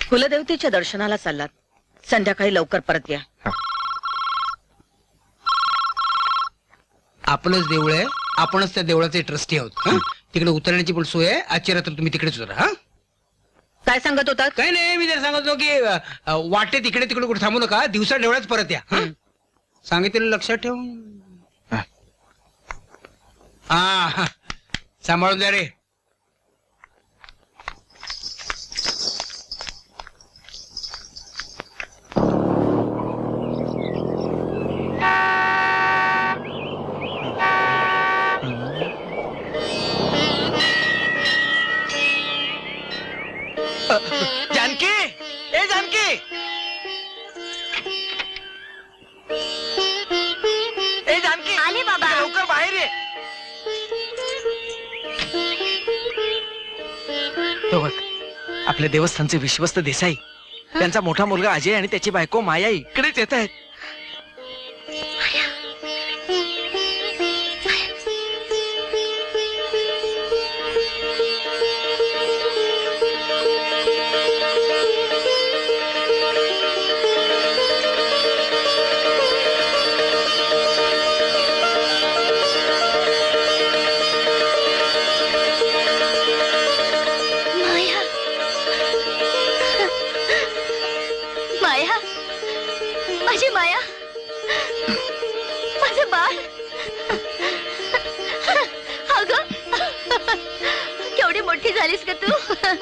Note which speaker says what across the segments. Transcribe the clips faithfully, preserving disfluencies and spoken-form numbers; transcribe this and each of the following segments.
Speaker 1: कुलदेवतेच्या दर्शनाला चाललात, संध्याकाळी लवकर परत या.
Speaker 2: आपलंच देऊळ आहे, आपणच त्या देवळाचे ट्रस्टी आहोत. हं? तिकडे उतरण्याची पण सोय आहे. आजची रात्र तुम्ही तिकडेच उतरा. हा
Speaker 1: काय सांगत होतात?
Speaker 2: काही नाही, मी तर सांगत होतो की अ, वाटेत इकडे तिकडे कुठे थांबू नका, दिवसा देवळात परत या. हं? सांगितलेलं लक्षात ठेव. हा हा. सांभाळून जा रे.
Speaker 3: जानकी, ए जानकी, ए जानकी,
Speaker 4: आले बाबा.
Speaker 3: लवकर बाहेर ये. तो बघ, आपल्या देवस्थानचे विश्वस्त देसाई, त्यांचा मोठा मुलगा अजय आणि त्याची बायको माया इकडेच येत आहेत.
Speaker 4: माया, माया, माझी माया, माझं बाळ. अगं, केवढी मोठी झालीस का तू?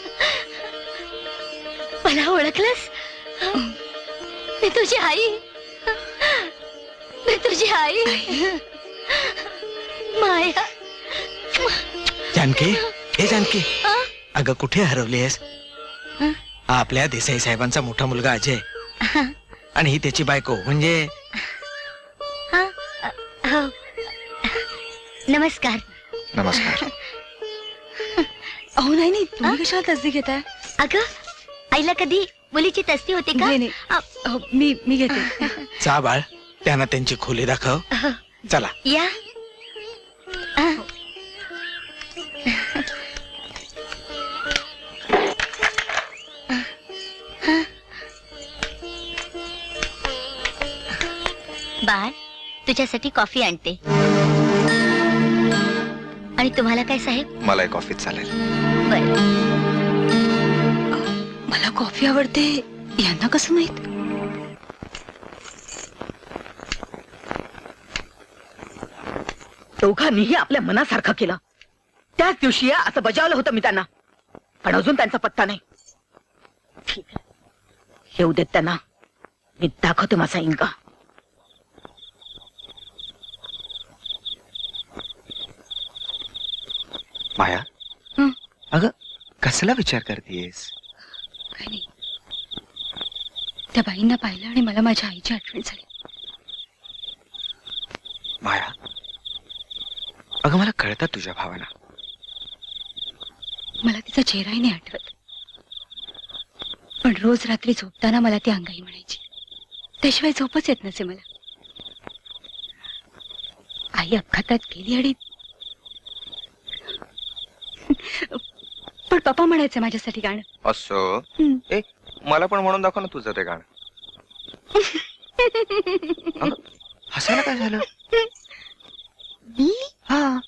Speaker 4: मला ओळखलंस? मी तुझी आई, मी तुझी आई. माया.
Speaker 3: जानकी, ए जानकी,
Speaker 4: अ?
Speaker 3: अगं कुठे हरवली आहेस? हा आपल्या देसाई साहेबांचा मोठा मुलगा अजय आणि ही त्याची बायको म्हणजे
Speaker 4: हा? हो. नमस्कार.
Speaker 5: नमस्कार.
Speaker 6: अहो नाही नाही, तुम्ही कशाला तसदी घेताय?
Speaker 4: अगं, आईला कधी मुलीची तस्ती होते का?
Speaker 6: नाही नाही,
Speaker 4: अ,
Speaker 6: अहो, मी मी घेते.
Speaker 3: जा बाळ, त्यांना त्यांची खोली दाखव. चला.
Speaker 4: या. अ. बाळ, तुझ्यासाठी कॉफी आणते. आणि तुम्हाला काय साहेब?
Speaker 5: मला एक कॉफी चालेल.
Speaker 4: बरं.
Speaker 6: मला कॉफी आवडते, यांना कसं माहित?
Speaker 1: दोघांनीही आपल्या मनासारखं केलं. त्याच दिवशी या असं बजावलं होतं मी त्यांना, पण अजून त्यांचा पत्ता नाही. ठीक आहे, येऊ देत त्यांना, मी दाखवते माझा इंगा.
Speaker 5: माया,
Speaker 6: हं?
Speaker 5: अगं कसला विचार करतेस?
Speaker 6: काय नाही, त्या बाईंना पाहिलं आणि मला माझ्या आईची आठवण झाली.
Speaker 5: माया, अगं मला कळतात तुझ्या भावना.
Speaker 6: मला तिचा चेहराही नाही आठवत, पण रोज रात्री झोपताना मला ती अंगाई म्हणायची. त्याशिवाय झोपच येत नसे मला. आई अपघातात गेली आणि पण पप्पा म्हणायचे माझ्यासाठी गाणं.
Speaker 5: असं
Speaker 6: हं.
Speaker 5: ए मला पण म्हणून दाखव ना तुझं ते गाणं. अगं, हसायला काय झालं?
Speaker 6: मी
Speaker 5: हा,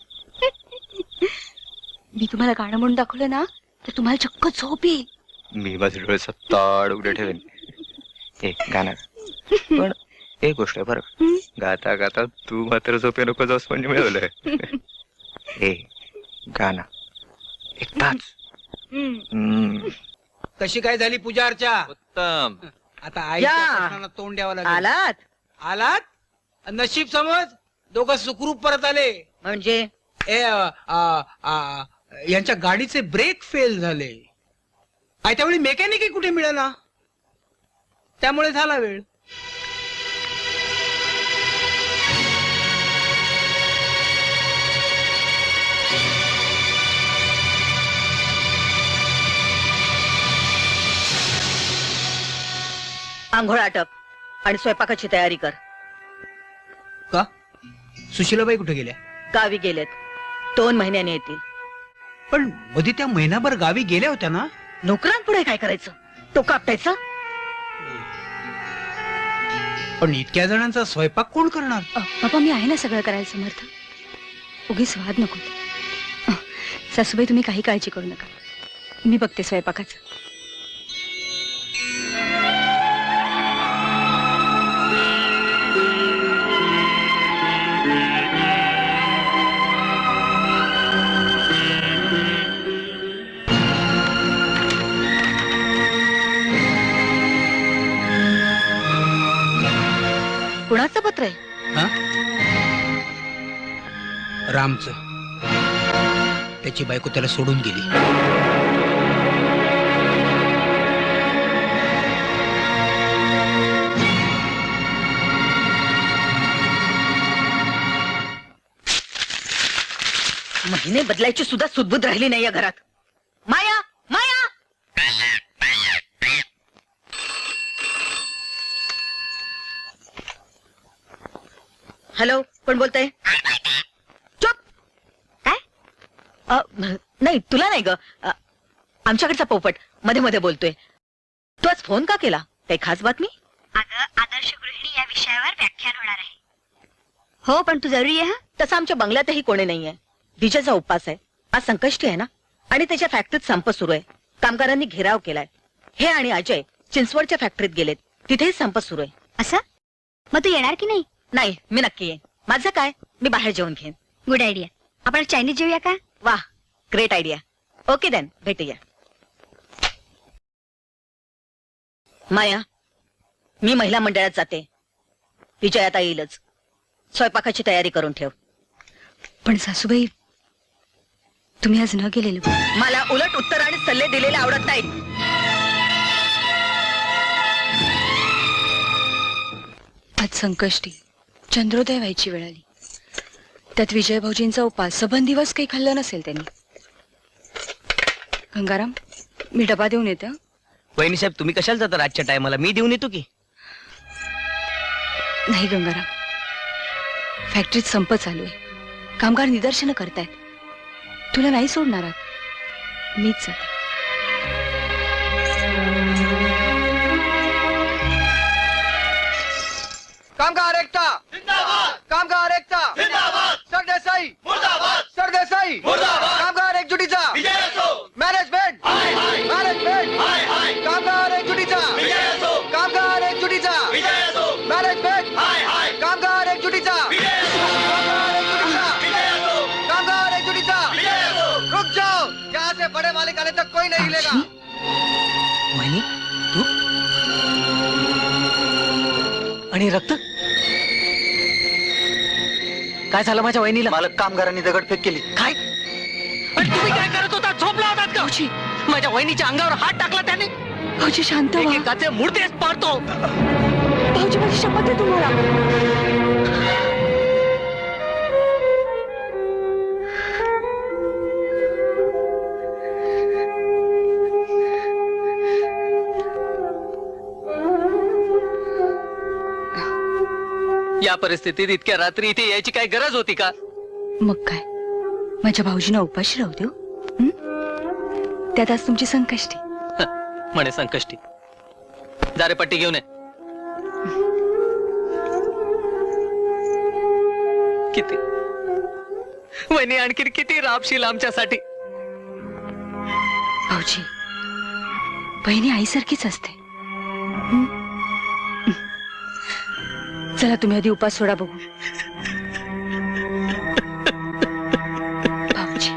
Speaker 6: मी तुम्हाला गाणं म्हणून दाखवलं ना तर तुम्हाला चक्क झोप येईल.
Speaker 5: मी माझे डोळे सत्ताड उघडे ठेवेन. ए गाणं पण एक गोष्ट आहे बरं,
Speaker 6: हं?
Speaker 5: गाता गाता तू मात्र झोपे नको जाऊस म्हणजे मिळवलंय. ए गाणं एकदाच.
Speaker 6: हं.
Speaker 5: हम्म.
Speaker 2: कशी काय झाली पूजा अर्चा?
Speaker 5: उत्तम.
Speaker 2: आता आईच्या
Speaker 1: या.
Speaker 2: प्रश्नाला तोंड द्यावं लागेल.
Speaker 1: आलात
Speaker 2: आलात? नशीब समज, दोघं सुखरूप परत आले.
Speaker 1: म्हणजे?
Speaker 2: ए अ, अ, अ, यांच्या गाडीचे ब्रेक फेल झाले. आणि त्यावेळी मेकॅनिकही कुठे मिळाला, त्यामुळे झाला वेळ.
Speaker 1: आंघोळ आटप आणि स्वयंपाकाची तयारी कर.
Speaker 2: का सुशीलाबाई कुठे गेल्या?
Speaker 1: गावी गेलेत, दोन महिन्याने येतील.
Speaker 2: पण मध्ये त्या महिनाभर गावी गेल्या होत्या ना?
Speaker 1: नोकरांपुढे काय करायचं? टोका आपटायचं.
Speaker 2: पण इतक्या जणांचा स्वयंपाक कोण करणार?
Speaker 6: अ, बाबा मी आहे ना सगळं करायला समर्थ. उगीच वाद नको. अ, सासूबाई तुम्ही काही काळजी करू नका. मी बघते स्वयंपाकाचं.
Speaker 1: कुणाचं पत्र आहे?
Speaker 2: हा? रामचं. त्याची बायको त्याला सोडून गेली.
Speaker 1: महिने बदलायची सुद्धा सुदबुद राहिली नाही या घरात. माया, माया. हॅलो, कोण बोलतंय? चुप. काय? अ, नाही तुला नाही ग. अ, आमच्याकडचा पोपट मध्ये मध्ये बोलतोय. तू आज फोन का केला? काही खास बातमी?
Speaker 4: अगं आदर्श गृहिणी या विषयावर व्याख्यान होणार आहे. हो पण तू जरुरी आहे.
Speaker 1: तसं आमच्या बंगल्यातही कोणी नाहीये. विजयचा उपवास आहे. आज संकष्टी आहे ना, आणि त्याच्या फॅक्टरीत संप सुरू आहे. कामगारांनी घेराव केलाय. हे आणि अजय चिंचवडच्या फॅक्टरीत गेलेत. तिथेही संप सुरू आहे.
Speaker 4: असं? मग तू येणार की नाही?
Speaker 1: नाही, मी नक्की येईन. माझं काय, मी बाहेर जेवून घेईन.
Speaker 4: Good idea. आपण चायनीज जेऊया का?
Speaker 1: वाह, ग्रेट आयडिया. ओके देन, भेटूया. माया, मी महिला मंडळात जाते. विजय आता येईलच. स्वयंपाकाची तयारी करून ठेव.
Speaker 6: पण सासूबाई तुम्ही आज न गेलेले बरं.
Speaker 1: मला उलट उत्तर आणि सल्ले दिलेले आवडत नाहीत.
Speaker 6: आज संकष्टी, चंद्रोदय व्हायची वेळ आली. त्यात विजय भाऊजींचा उपास. सबंध दिवस काही खाल्लं नसेल त्यांनी. गंगाराम, मी डबा देऊन येते. हं?
Speaker 7: वहिनी साहेब तुम्ही कशाला जाता रातच्या टायमाला? मी देऊन येतो की.
Speaker 6: नाही गंगाराम, फॅक्टरीत संप चालू आहे. कामगार निदर्शनं करतायत. तुला नाही सोडणार आहात. मीच जाते.
Speaker 3: कामगार एकता जिंदाबाद. कामगार एकता जिंदाबाद. सरदेसाई मुर्दाबाद. सरदेसाई मुर्दाबाद. कामगार एकजुटीचा विजय असो. मॅनेजमेंट हाय हाय. मॅनेजमेंट हाय हाय. कामगार एकजुटीचा विजय असो. कामगार एकजुटीचा विजय असो. मॅनेजमेंट हाय हाय. कामगार एकजुटीचा विजय असो. कामगार एकजुटीचा विजय असो. कामगार एकजुटीचा विजय असो. रुक जाओ, यहाँ से बड़े मालिक आने तक कोई नहीं हिलेगा.
Speaker 7: वहिनी तू आणि रक्त काय झालं माझ्या वहिनीला?
Speaker 3: मालक कामगारांनी दगडफेक केली.
Speaker 7: काय? पण तुम्ही काय करत होता? झोपला होतात का?
Speaker 6: भाऊजी,
Speaker 7: माझ्या वहिनीच्या अंगावर हात टाकला त्याने.
Speaker 6: भाऊजी शांत व्हा.
Speaker 7: एकेकाचे मुर्देच पाडतो.
Speaker 6: भाऊजी माझी शपथ आहे तुम्हाला.
Speaker 7: या परिस्थितीत इतक्या रात्री इथे यायची काय गरज होती का?
Speaker 6: मग काय, माझ्या भाऊजींना उपाशी राहू देऊ. हं? त्यात आज तुमची संकष्टी.
Speaker 7: म्हणे संकष्टी. जारे पट्टी घेऊन ये. किती वहिनी आणखी किती राबशील आमच्यासाठी?
Speaker 6: भाऊजी, बहिणी आईसारखीच असते. हं? चला तुम्ही आधी उपास सोडा बघू. भाऊजी,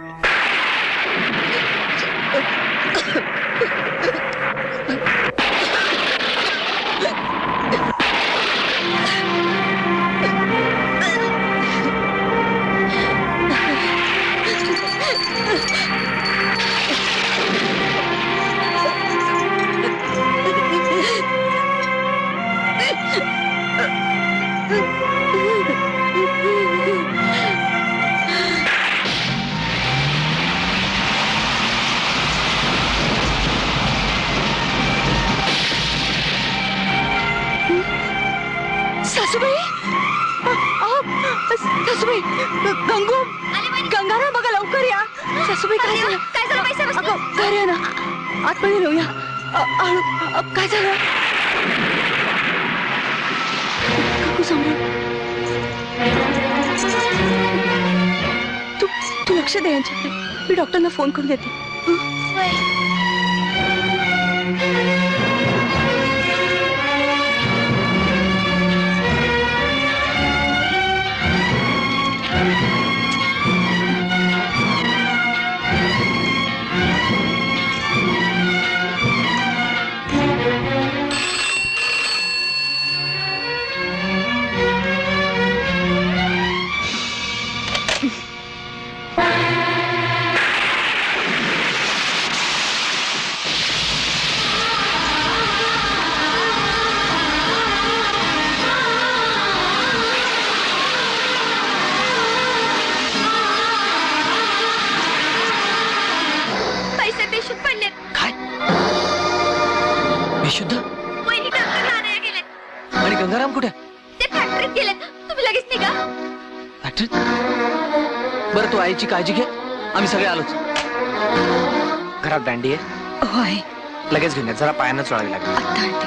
Speaker 6: सासूबाई, सासूबाई, गंगू, गंगाराम बघा लवकर या. सासूबाई काय झालं?
Speaker 4: काय झालं बाई साहेब?
Speaker 6: अगं, घरी या ना. आतमध्ये येऊया. आळू अ, काय झालं काकू सांभाळ तू तू लक्ष दे यांच्याकडे मी डॉक्टरना फोन करून देते हं?
Speaker 4: पैसे बेशुद्ध पडले.
Speaker 7: काय बेशुद्ध
Speaker 4: वहिनी डॉक्टर आणायला गेलेत.
Speaker 7: आणि गंगाराम कुठे
Speaker 4: ते फॅक्टरीत गेलेत. तुम्ही लगेच निघा.
Speaker 7: फॅक्टरीत बरं तू आईची काळजी घे आम्ही सगळे आलोच.
Speaker 5: घरात दांडी आहे,
Speaker 6: हो आहे
Speaker 5: लगेच घेऊन या. जरा पायानं चोळावी लागेल.
Speaker 6: आत्ता आणते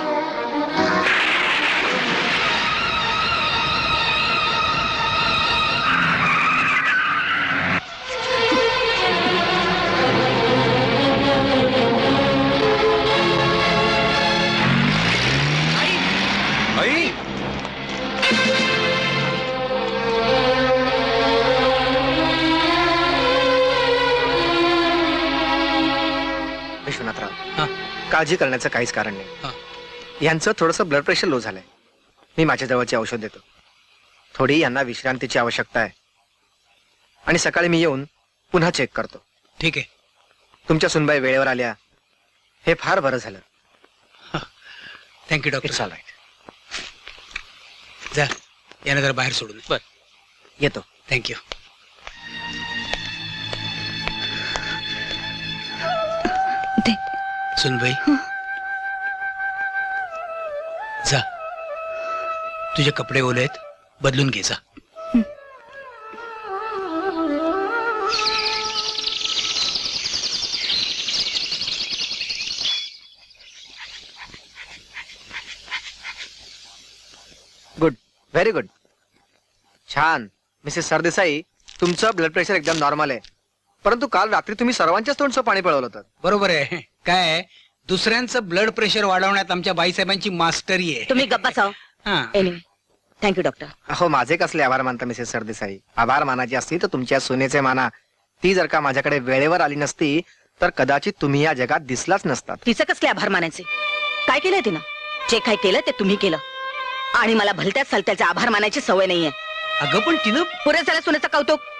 Speaker 5: आई विश्वनाथराव,
Speaker 2: हा.
Speaker 5: काळजी करण्याचं काहीच कारण
Speaker 2: हा.
Speaker 5: नाही. यांचं थोडंसं ब्लड प्रेशर लो झालंय. मी माझ्या जवळची औषध देतो. थोडी यांना विश्रांतीची आवश्यकता आहे आणि सकाळी मी येऊन पुन्हा चेक करतो.
Speaker 2: ठीक आहे.
Speaker 5: तुमच्या सुनबाई वेळेवर आल्या हे फार बरं झालं.
Speaker 2: Thank you doctor.
Speaker 5: It's all right.
Speaker 2: जा यानं जरा बाहेर सोडून
Speaker 7: बर
Speaker 5: येतो.
Speaker 2: थँक्यू.
Speaker 6: दे
Speaker 2: सुनबाई जा, तुझे कपडे ओले आहेत, बदलून घे जा.
Speaker 5: गुड, व्हेरी गुड, छान. मिसेस सरदेसाई, तुमचं ब्लड प्रेशर एकदम नॉर्मल आहे. परंतु काल रात्री तुम्ही सर्वांच्याच तोंडचं पाणी पळवलं होतं.
Speaker 2: बरोबर आहे. काय आहे, दुसऱ्यांचं ब्लड प्रेशर वाढवण्यात आमच्या बाईसाहेबांची मास्टरी आहे.
Speaker 1: तुम्ही गप्पा साव.
Speaker 2: हा.
Speaker 1: Anyway thank you doctor.
Speaker 5: अहो माझे कसले आभार मानता मिसेस सरदेसाई. आभार मानायचे असतील तर तुमच्या सुनेचे माना. ती जर का माझ्याकडे वेळेवर आली नसती तर कदाचित तुम्ही या जगात दिसलाच नसतात.
Speaker 1: तिचं कसले आभार मानायचे? काय केलंय तिनं? जे काय केलं ते तुम्ही केलं आणि मला भलत्याच सलत्याचे आभार मानायची सवय नाहीये.
Speaker 2: अगं पण तिनं
Speaker 1: पुरे झालं सुनेचं कौतुक.